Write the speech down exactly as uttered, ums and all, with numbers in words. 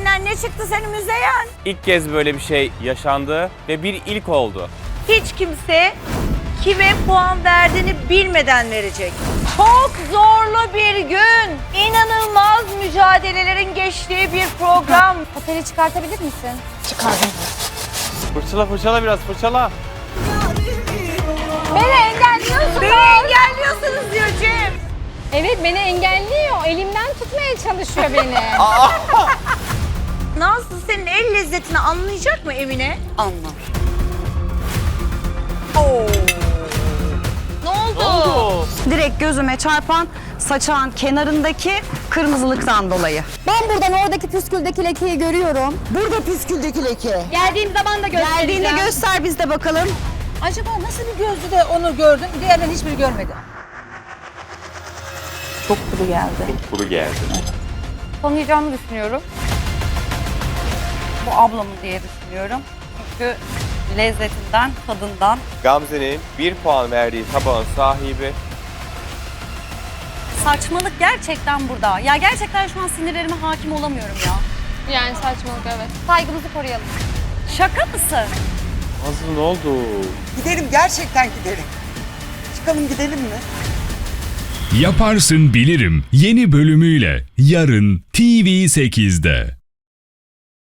içinden ne çıktı senin Müzeyyen? İlk kez böyle bir şey yaşandı ve bir ilk oldu. Hiç kimse kime puan verdiğini bilmeden verecek. Çok zorlu bir gün. İnanılmaz mücadelelerin geçtiği bir program. Oteli çıkartabilir misin? Fırçala fırçala biraz fırçala. Beni engelliyorsunuz. Beni engelliyorsunuz diyor Cem. Evet, beni engelliyor. Elimden tutmaya çalışıyor beni. Nazlı senin el lezzetini anlayacak mı Emine? Anlar. Oo. Ne oldu? Ne oldu? Direkt gözüme çarpan saçağın kenarındaki kırmızılıktan dolayı. Ben buradan oradaki püsküldeki lekeyi görüyorum. Burada püsküldeki leke. Geldiğim zaman da göstereceğim. Geldiğinde göster biz de bakalım. Acaba nasıl bir gözlü de onu gördün, diğerlerini hiçbiri görmedi. Çok kuru geldi. Kuru geldi. Tanıyacağımı düşünüyorum. Bu ablamın diye düşünüyorum. Çünkü lezzetinden, tadından. Gamze'nin bir puan verdiği tabağın sahibi. Saçmalık gerçekten burada. Ya gerçekten şu an sinirlerime hakim olamıyorum ya. Yani saçmalık, evet. Saygımızı koruyalım. Şaka mısın? Nazlı ne oldu? Gidelim, gerçekten gidelim. Çıkalım gidelim mi? Yaparsın Bilirim yeni bölümüyle yarın T V sekizde.